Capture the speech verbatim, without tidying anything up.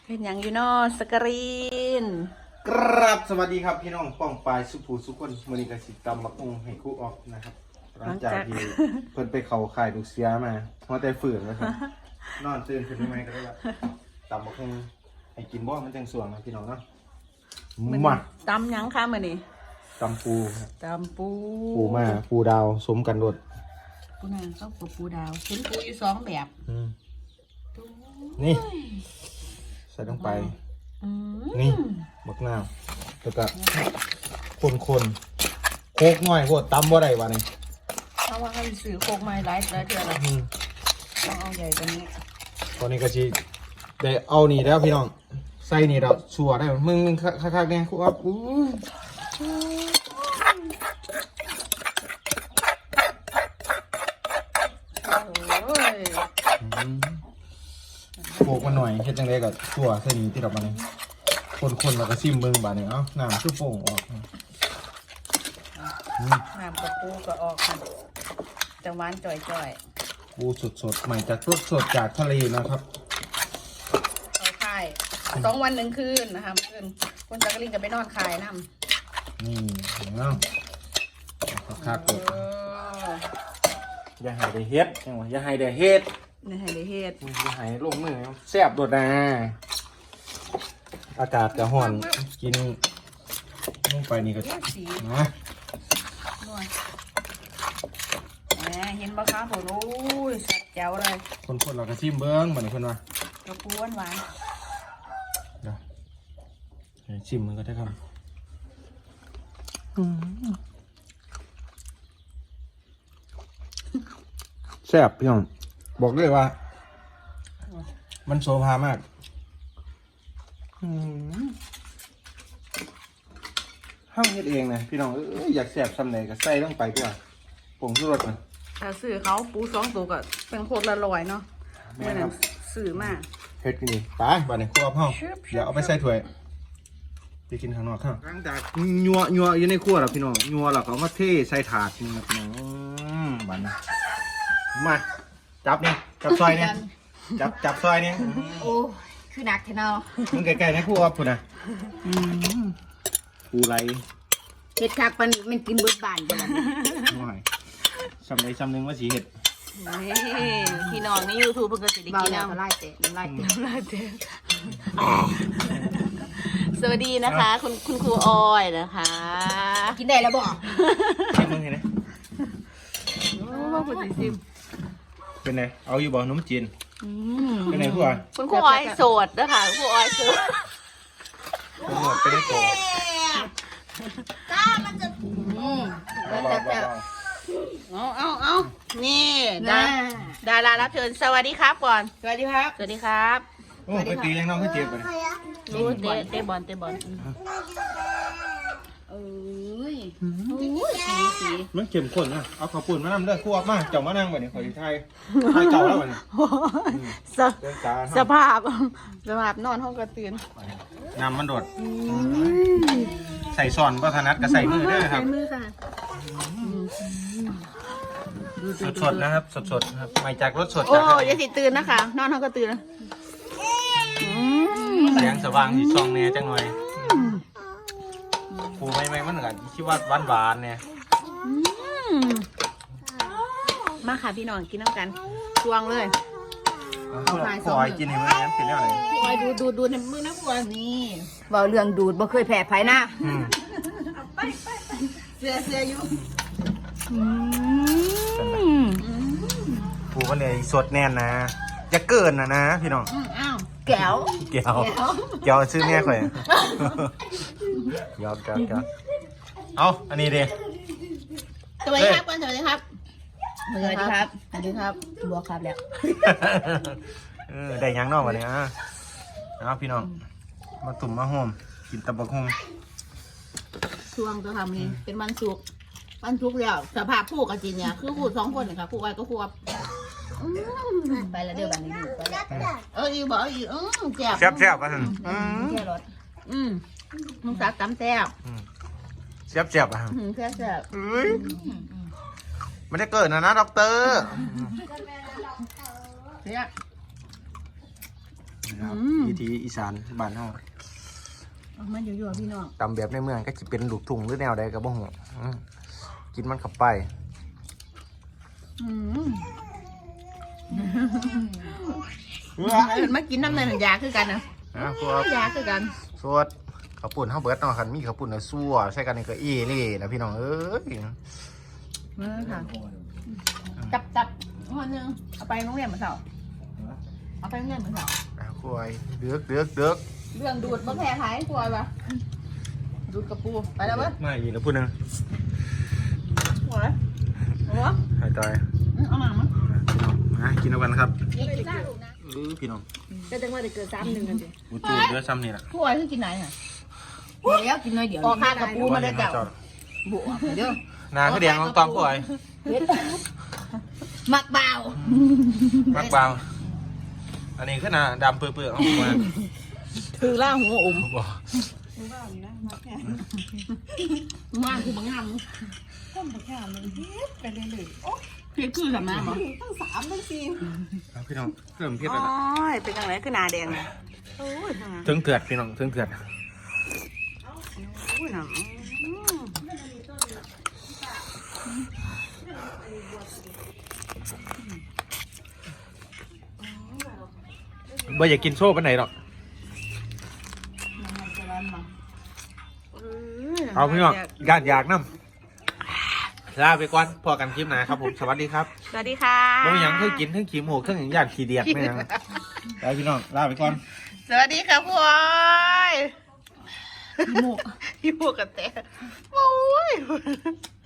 เป็นอย่างอยู่นอสกรีนครับสวัสดีครับพี่น้องป้องปลายสุภูสุคนมือนี้กสิตำบักองให้ครู่ออกนะครับหลังจากที่เพิ่นไปเขาข่ายลูกเสียมาเพราะแต่ฝืนนะครับนอนตื่นขึ้นไม่ก็ได้ละตำบักองให้กินบ่มันจังสวงนะพี่น้องเนาะมาตำยังคะมื้อนี้ตำปูครับตำปูปูมาปูดาวสมกันรดปูนาข้าวปูดาวเห็นปูอยู่สองแบบนี่ใส่ลงไปอืมนี่บักนาวแล้วก็คนคนๆโคกหน่อยโคตรตำบ่ได้วะนี่เพราะว่าเขาซื้อโคกไม้หลายแล้วเดือนละอืมต้องเอาใหญ่กว่านี้ตอนนี้ก็จีได้เอานี่แล้วพี่น้องใส่นี่เราชัวร์ได้มึงมึงคักๆเนี่ยครูอัพอู้โอ้ยโขกมันหน่อยเฮ็ดจังไดก็ชัวร์ใส่นี่ที่เรามาเนี่ยคนๆแล้วก็ซิมเบิ่งบาดนี้เอ้าน้ำชุบโป่งออกอืมน้ำกับปูก็ออกค่ะจังหวานจ่อยปูสดๆใหม่จากสดสดๆจากทะเลนะครับๆเอาค่ายสองวันหนึ่งคืนนะคะคืนคุณจักรินก็ไปนอนคายน้ำนี่เนาะคักๆเอเลยออย่าให้ได้เฮ็ดจังหวะอย่าให้ได้เฮ็ดนี่ให้ได้เฮ็ดอย่าให้ลงมือแซ่บโดดนะอากาศก็ร้อนกินลงไปนี่ก็สีนะนวลแหมเห็นบ่คะผมโอ้ยสัดแจ๋วเลยคนๆเราก็ซิมเบิ่งบัดนี้เพิ่นว่ากระปูหวานหวานเดี๋ยวให้ชิมมันก็ได้ครับแซ่บพี่น้องบอกเลยว่า มันโซภามากห้ามเฮ็ดเองนะพี่น้องเอ้ยอยากแซ่บซ้ำไหนก็ใส่ลงไปด้วยผงชูรสมันถ้าซื้อเขาปูสองตัวก็เป็นโคตรละลอยเนาะแม่เมื่อครันั้บนซื้อมาเฮ็ดกันดีไปบัดนี้ครัวพ่อเดี๋ยวเอาไปใส่ถ้วยไปกินข้างนอกข้างหลังจากยัวยัวอยู่ในครัวแล้วพี่น้องยัวแล้วก็เอามาเทใส่ถาดนี่ครับพี่น้องอืมบัดนี้มาจับนี่จับซอยนี่จับจับซอยนี่โอ้คือหนักแท้เนาะมึงใกล้ๆในครัวพุ่นน่ะปูไหลเฮ็ดคักปานนี้มันกินเบิดบ้านบ่ล่ะหน่อยซ้ำใดซ้ำหนึงว่าสิเฮ็ดนี่พี่น้องในยูทูบเพิ่งก็สิได้เบากินแล้วน้ำน้ำลายเตะน้ำลายเตะน้ำลายเต็มสวัสดีนะคะ คุณคุณครูออยนะคะกินได้แล้วบ่ชิมมึงเห็นไหมโอ้ว่าคุณสิซิมเป็นไงเอาอยู่บ่ขนมจีนอืมเป็นไงครัวคุณครูออยโสดนะคะคุณครูออยโสดเป็นหมดเป็นได้โกรธก้ามันจะอืมเบาๆเบาเอาเอาเอานี่ดาน่าดารารับเชิญสวัสดีครับก่อนสวัสดีครับสวัสดีครับๆโอ้ไปตียังน้องขึ้นเจ็บไปรู้เตะเตะบอลเตะบอลเอ้ยโอ้ยสีสีมันเข้มข้นนะเอาข้าวปุ้นมานำเด้อครัวมาเจ้ามานั่งบัดนี้ขอที่ไทยไทยเก่าแล้วบัดนี้สเดินตาสภาพสภาพนอนห้องกระตือนน้ำมันโดดใส่ซ่อนก็ถนัดก็ใส่มือเด้อครับมือค่ะสดๆนะครับสดๆครับมาจากรถสดโอ้จากทะเลยาสิตื่นนะคะ นอนห้องกระตือนอืมแสงสว่างสีซองเนี่ยจังหน่อยปูไม่ไม่มันก็คิดว่าหวานหวานๆเนี่ยอืมมาค่ะพี่น้องกินน้ำกันตวงเลยขอให้กินให้มันงั้นเป็นแล้วไหนคอยดูดูดูในมือนะพวกนี้เว้าเรื่องดูดบ่เคยแพ้ไผนะอืมเสือเสืออยู่ปูก็เลยสดแน่นนะจะเกินนะนะพี่น้องอ้าวแก้วเกี่ยวเกี่ยวซื้อเนี่ยข่อยยอมยอมยอมเอาอันนี้ดิสวัสดีครับก่อนสวัสดีครับสวัสดีครับสวัสดีครับบัวครับแล้วเออได้ยังนอกวะเนี่ยอ่ะเอาพี่น้องมาตุ่มมาโฮมกินตะบักโฮมช่วงก็ทำนี่เป็นวันศุกร์วันศุกร์แล้วสภาพคู่กับจีนเนี่ยคือคู่สองคนเนี่ยค่ะคู่ไอ้ก็คู่อับไปแล้วเด้อบ้านนี้ดูไปแล้วเอออีบอกอีอืมแซ่บแซ่บแซ่บป่ะท่านอืมแค่รถอืมมึงสักตำแซ่บแซ่บแซ่บป่ะอืมแซ่บแซ่บเอ้ยมันจะเกิดนะนะด็อกเตอร์เสียนะครับวิธีอีสานบ้านเฮามันอยู่ๆพี่น้องตำแบบในเมืองก็จะเป็นลูกทุ่งหรือแนวใดก็บ่ฮู้อืมกินมันเข้าไปอืมมากินน้ำในหนังยาคือกันนะนะพวกยาคือกันสวดข้าวปุ่นเฮาเบิดเนาะคันมีข้าวปุ่นน่ะซั่วใส่กันนี่ก็อีเล่นะพี่น้องเอ้ยเออค่ะจับจับวันหนึงเอาไปโรงเรียนเหมือนเสาเอาไปโรงเรียนเหมือนเสาอ่ะควยเดือกเดือกเดือกเรื่องดูดมะแพร้ายกลัวปะดูดกระปูไปแล้วเว้ยมาอีกแล้วพูดนึงหัวหัวหายตายเอาหนังมั้งนะกินเอากันครับกินได้ลูกนะเออพี่น้องก็จังว่าจะเกิดซ้ำหนึ่งกันสิบูจูเดือดซ้ำนี่แหละหัวคือกินไหนอ่ะแล้วกินน้อยเดียวออกข้างกระปูมาเลยเจ้าบวกเด้อนาคือแดงของตองกูไอ้มักเบามักเบาอันนี้คือหนาดำเปื่อยๆเอามาถือล่าหัวอมบอกมาคือบางงามต้มผักแค่มันเฮ็ดไปเรื่อยๆโอ้เพียคือทำน้ำเหรอตั้งสามตั้งสี่เอาพี่น้องเริ่มเพี้ยนโอ้แล้วนะยเป็นจังไรคือหนาแดงเลยโอ้ยถึงเถื่อนพี่น้องถึงเถื่อนโอ้ยหนังบ่อยากกินโซ่ปานไหนหรอกเอาพี่น้องอยากอยากน้ำลาไปก่อนพอกันคลิปหนะครับผมสวัสดีครับสวัสดีค่ะบ่มีหยังเคยกินทั้งขี้หมูกทั้งหยังญาติขี้เดียดไม่หยังไปพี่น้องลาไปก่อนสวัสดีค่ะพวอยพี่หมูพี่พวกกันแต่โอ้ย